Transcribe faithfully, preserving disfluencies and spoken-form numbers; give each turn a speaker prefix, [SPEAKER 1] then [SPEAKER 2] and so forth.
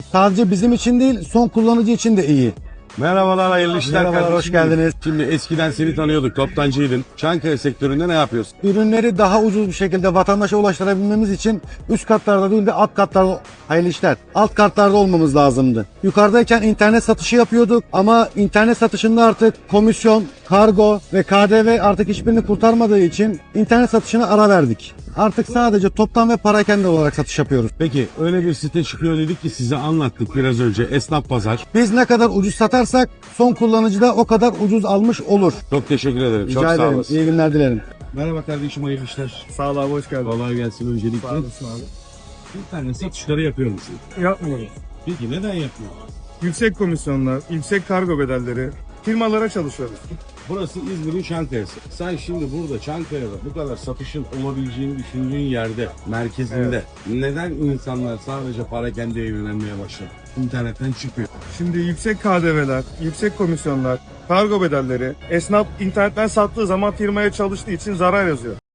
[SPEAKER 1] Sadece bizim için değil, son kullanıcı için de iyi.
[SPEAKER 2] Merhabalar, hayırlı işler.
[SPEAKER 1] Merhabalar,
[SPEAKER 2] kardeşim.
[SPEAKER 1] hoş geldiniz.
[SPEAKER 2] Şimdi eskiden seni tanıyorduk, toptancıydın. Çankaya sektöründe ne yapıyorsun?
[SPEAKER 1] Ürünleri daha ucuz bir şekilde vatandaşa ulaştırabilmemiz için üst katlarda değil de alt katlarda, hayırlı işler, alt katlarda olmamız lazımdı. Yukarıdayken internet satışı yapıyorduk ama internet satışında artık komisyon, kargo ve K D V artık hiçbirini kurtarmadığı için internet satışına ara verdik. Artık sadece toptan ve parakende olarak satış yapıyoruz.
[SPEAKER 2] Peki öyle bir site çıkıyor dedik ki size anlattık biraz önce. Esnaf Pazar.
[SPEAKER 1] Biz ne kadar ucuz satarsak son kullanıcı da o kadar ucuz almış olur.
[SPEAKER 2] Çok teşekkür ederim.
[SPEAKER 1] Rica
[SPEAKER 2] Çok sağ
[SPEAKER 1] ederim.
[SPEAKER 2] olasın.
[SPEAKER 1] İyi günler dilerim.
[SPEAKER 2] Merhaba kardeşim, hayırlı işler.
[SPEAKER 3] Sağ ol abi, hoş geldin.
[SPEAKER 2] Kolay gelsin öncelikle.
[SPEAKER 3] Sağ olasın abi.
[SPEAKER 2] İnternet satışları yapıyor musun?
[SPEAKER 3] Yapmıyoruz.
[SPEAKER 2] Peki neden yapmıyorsun?
[SPEAKER 3] Yüksek komisyonlar, yüksek kargo bedelleri, firmalara çalışıyoruz.
[SPEAKER 2] Burası İzmir'in Çankaya'sı. Sen şimdi burada Çankaya'da bu kadar satışın olabileceğini düşündüğün yerde, merkezinde neden insanlar sadece parakendeye yönelmeye başladı? İnternetten çıkıyor.
[SPEAKER 3] Şimdi yüksek K D V'ler, yüksek komisyonlar, kargo bedelleri, esnaf internetten sattığı zaman firmaya çalıştığı için zarar yazıyor.